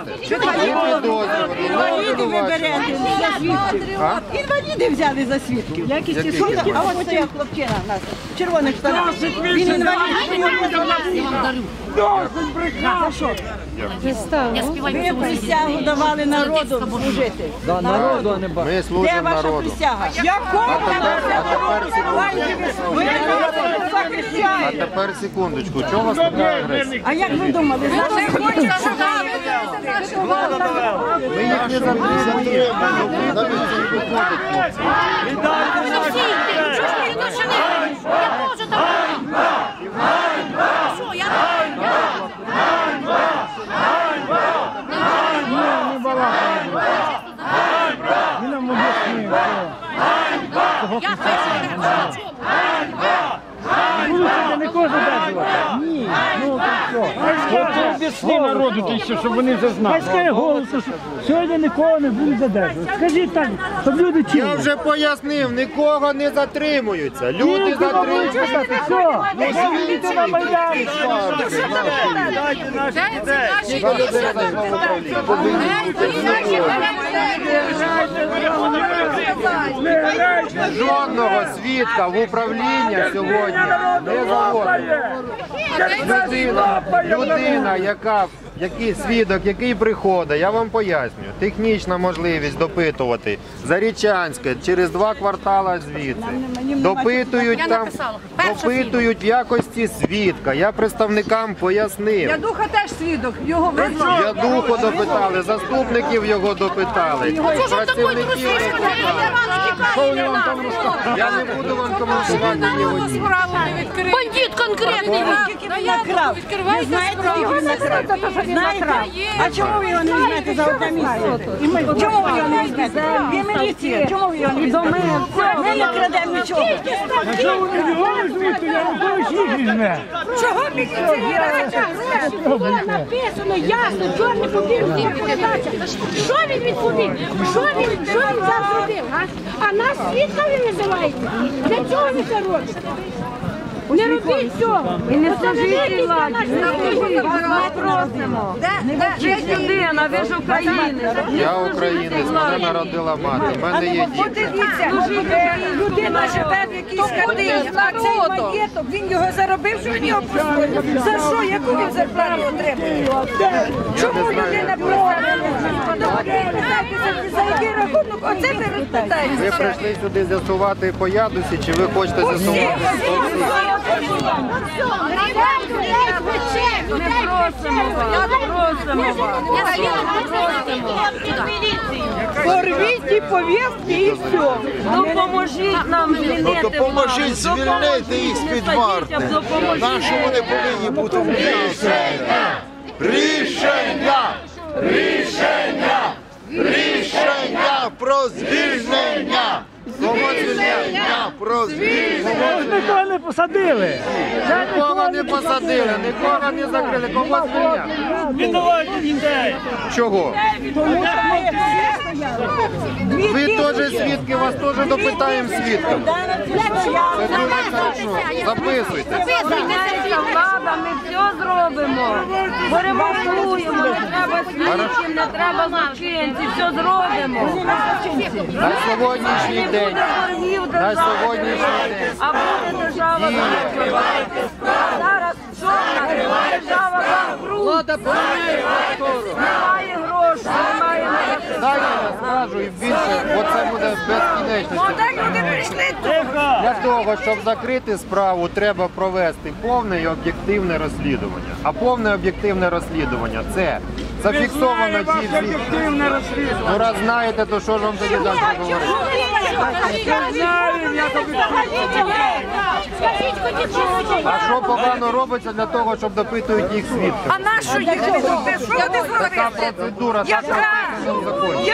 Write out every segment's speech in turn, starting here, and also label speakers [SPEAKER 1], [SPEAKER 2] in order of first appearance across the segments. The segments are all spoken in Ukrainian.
[SPEAKER 1] Інвалідів ви берете за свідків. Інвалідів взяли за свідків. А ось стояв хлопчина в нас, в червоних штанах. Він інвалід. За що? Ви присягу давали народу служити.
[SPEAKER 2] Народу, а не бачу.
[SPEAKER 3] Ми служимо народу.
[SPEAKER 1] Де ваша присяга? Якого
[SPEAKER 3] А тепер секундочку, чого вас така агресія?
[SPEAKER 1] А як ви думали?
[SPEAKER 3] Ми їх не затримуємо. Виходить, хлопці.
[SPEAKER 2] Не кожен день. Ні. Ну, що? Об'ясни народу, щоб вони це знали. Хай скаже голосу, що сьогодні нікого не будуть задержувати. Скажіть так, щоб люди чули.
[SPEAKER 3] Я вже пояснив, нікого не затримуються. Люди затримуються.
[SPEAKER 2] Все, звідти на Майдані.
[SPEAKER 4] Дайте наших дітей.
[SPEAKER 3] Жодного свідка в управління сьогодні не заводить. Людина, який свідок, який приходить, я вам пояснюю, технічна можливість допитувати Зарічанське через 2 квартали звідси. Допитують в якості свідка. Я представникам пояснив.
[SPEAKER 1] Ядуха теж свідок, його визнали.
[SPEAKER 3] Ядуху допитали, заступників його допитали, працівників допитали. Я не буду вам коментувати ні.
[SPEAKER 5] Бандит конкретний.
[SPEAKER 1] Накрав. Ви знаєте, його накрав? Знаєте? А чому ви його не візьмете за одне місце? Чому ви його не візьмете? Ви міліція, чому ви його не візьмете? Ми не крадемо нічого.
[SPEAKER 2] А що вони його візьмуть, то я вам їх візьме.
[SPEAKER 1] Чого міліція?
[SPEAKER 5] Було написано ясно, чорний побіг. Що він відповів? Що він зараз робив? А нас свідками називаєте? Для чого ви це робите? Не робіть цього! І не служіть владі! Ми просимо! Ви людина, ви ж українець!
[SPEAKER 3] Я українець, мене народила мати, в мене є діти.
[SPEAKER 1] Подивіться, людина живе в якійсь хатині, а цей маєток, він його заробив, що він його присвоїв. За що? Яку він зарплату отримує? Чому людина просить? За який рахунок? Оце ви розпитаєте.
[SPEAKER 3] Ви прийшли сюди з'ясувати по ядусі, чи ви хочете з'ясувати?
[SPEAKER 1] Порвіть і повістки і все.
[SPEAKER 5] Допоможіть нам звільнити.
[SPEAKER 6] Допоможіть звільнити їх з-під варти. Наші вони повинні бути в Рішення! Рішення! Рішення! Рішення про звільнення! Рішення про звільнення!
[SPEAKER 2] Нікого не посадили.
[SPEAKER 3] Нікого не посадили, нікого не закрили, кого звільняли?
[SPEAKER 2] Віддавайте дітей.
[SPEAKER 3] Чого? Ви теж свідки, вас теж допитаємо свідками. Це дуже хорошо. Записуйте.
[SPEAKER 5] Влада, ми все зробимо. Поремонтуємо, не треба слідчим, не треба злочинців, все зробимо.
[SPEAKER 3] На сьогоднішній день. На сьогоднішній день.
[SPEAKER 5] А буде держава зараз що держава банкрут. Немає грошей, немає.
[SPEAKER 3] Далі я скажу і більше, оце буде безкінечність. Для того, щоб закрити справу, треба провести повне і об'єктивне розслідування. А повне об'єктивне розслідування – це зафіксовано ті звідки. Ну раз знаєте, то що ж вам тоді далі говорити? А що погано робиться для того, щоб допитують їх свідків?
[SPEAKER 1] А на що їх допитують? Що вони
[SPEAKER 3] Така процедура, так написано в законі.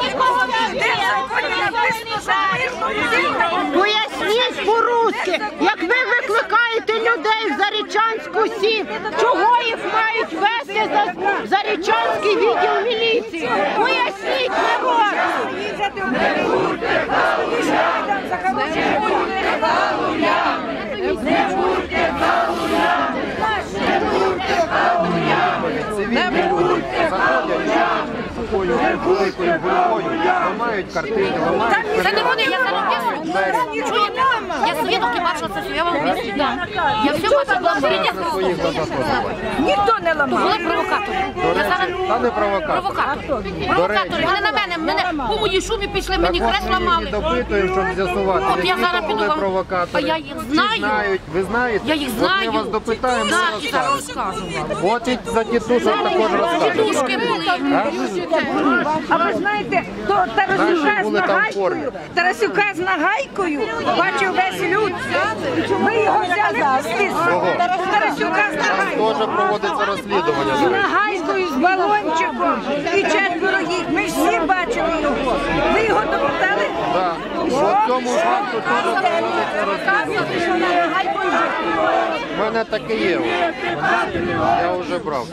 [SPEAKER 7] Поясніть по-русски, як ви викликаєте людей в Зарічанську СІ, чого їх мають вести в Зарічанський відділ міліції? Поясніть народ!
[SPEAKER 3] Цивільні люди заходять. великою гурбою, ламають картини, ламають
[SPEAKER 8] Це не вони, я заробляю. Чуєте? Я свідок і бачила це, що я вам об'ясню. Я все бачила,
[SPEAKER 3] на своїх глазах ламають.
[SPEAKER 1] Ніхто не ламав.
[SPEAKER 8] були провокатори. Я зараз
[SPEAKER 3] Та не провокатор.
[SPEAKER 8] провокатори. Провокатори. Вони на мене по моїй шумі пішли, мені
[SPEAKER 3] Так
[SPEAKER 8] хрест
[SPEAKER 3] от ми їх
[SPEAKER 8] ламали.
[SPEAKER 3] і допитуємо, щоб з'ясувати,
[SPEAKER 8] От я
[SPEAKER 3] які
[SPEAKER 8] зараз
[SPEAKER 3] то
[SPEAKER 8] піду
[SPEAKER 3] були
[SPEAKER 8] вам.
[SPEAKER 3] провокатори.
[SPEAKER 8] А я їх
[SPEAKER 3] Чи
[SPEAKER 8] знаю.
[SPEAKER 3] знають? Ви знаєте?
[SPEAKER 8] Я їх
[SPEAKER 3] От
[SPEAKER 8] знаю.
[SPEAKER 3] ми вас допитаємо,
[SPEAKER 8] Так,
[SPEAKER 3] ми
[SPEAKER 8] і зараз
[SPEAKER 3] розкажемо.
[SPEAKER 8] розкажу вам.
[SPEAKER 3] От і за тітушок також розкажемо.
[SPEAKER 8] Душки були.
[SPEAKER 1] А ви знаєте, то Тарасюка
[SPEAKER 3] Наші
[SPEAKER 1] з
[SPEAKER 3] були там в
[SPEAKER 1] нагайкою,
[SPEAKER 3] формі.
[SPEAKER 1] Тарасюка з нагайкою, бачив весь люд. Ми його взяли в слід. Тарасюка з нагайкою.
[SPEAKER 3] Теж проводиться розслідування.
[SPEAKER 1] З
[SPEAKER 3] до речі.
[SPEAKER 1] нагайкою, з балончиком і 4 їх. Ми ж всі бачили його. Ви його допитали?
[SPEAKER 3] Так. По цьому факту теж проводиться розслідування. У мене таке є. Я вже брав.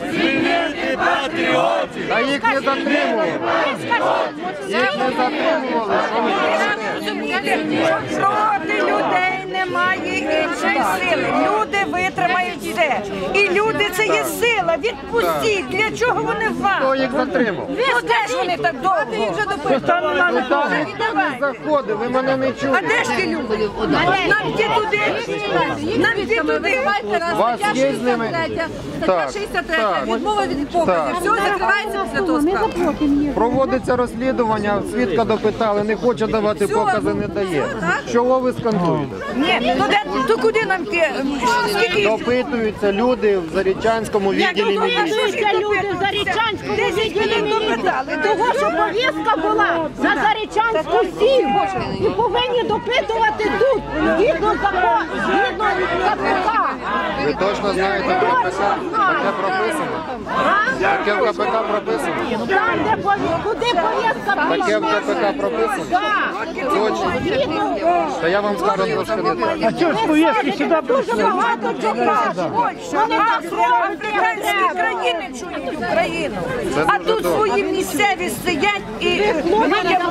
[SPEAKER 3] Та їх не затримували. Їх не затримували. Що ви
[SPEAKER 1] Розумієте, що проти людей немає іншої сили. Люди витримають все. І люди це є сила. Відпустіть. Для чого вони
[SPEAKER 3] Хто
[SPEAKER 1] вам?
[SPEAKER 3] їх затримав?
[SPEAKER 1] Ну де ж вони так довго?
[SPEAKER 3] Ну там ніхто не заходив, ви мене не
[SPEAKER 1] А
[SPEAKER 3] чуєте.
[SPEAKER 1] де ж ті люди? Нам йти туди. Нам йти туди.
[SPEAKER 3] У вас є з ними? Так, так,
[SPEAKER 9] Відмова від показу.
[SPEAKER 3] так.
[SPEAKER 9] Все закривається після того справи.
[SPEAKER 3] Проводиться розслідування, свідка допитали, не хоче давати покази, не дає. Чого ви скандуєте?
[SPEAKER 1] Ні, то куди нам йти? Скільки їх?
[SPEAKER 3] Допитуються люди в Зарічанському
[SPEAKER 7] Як
[SPEAKER 3] відділі міліції.
[SPEAKER 7] допитуються люди в Зарічанському відділі міліції, того, що повістка була за Зарічанську сіль, і повинні допитувати тут, згідно закону, згідно КПК.
[SPEAKER 3] Ви точно знаєте в КПК? Таке прописано? Таке в КПК прописано?
[SPEAKER 7] Там, де куди повістка
[SPEAKER 3] Таке в
[SPEAKER 7] прийшла.
[SPEAKER 3] КПК прописано?
[SPEAKER 7] Так.
[SPEAKER 3] Точно?
[SPEAKER 7] Згідно,
[SPEAKER 3] Та я вам скажу трошки не так.
[SPEAKER 2] А чого ж повістки сюди
[SPEAKER 7] дуже багато чого. Вони так
[SPEAKER 1] Африканські країни чують Україну.
[SPEAKER 3] Це
[SPEAKER 1] А
[SPEAKER 3] дуже
[SPEAKER 1] тут
[SPEAKER 3] добре.
[SPEAKER 1] свої місцеві сидять і людям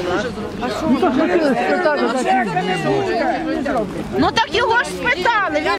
[SPEAKER 7] Ну так його ж спитали.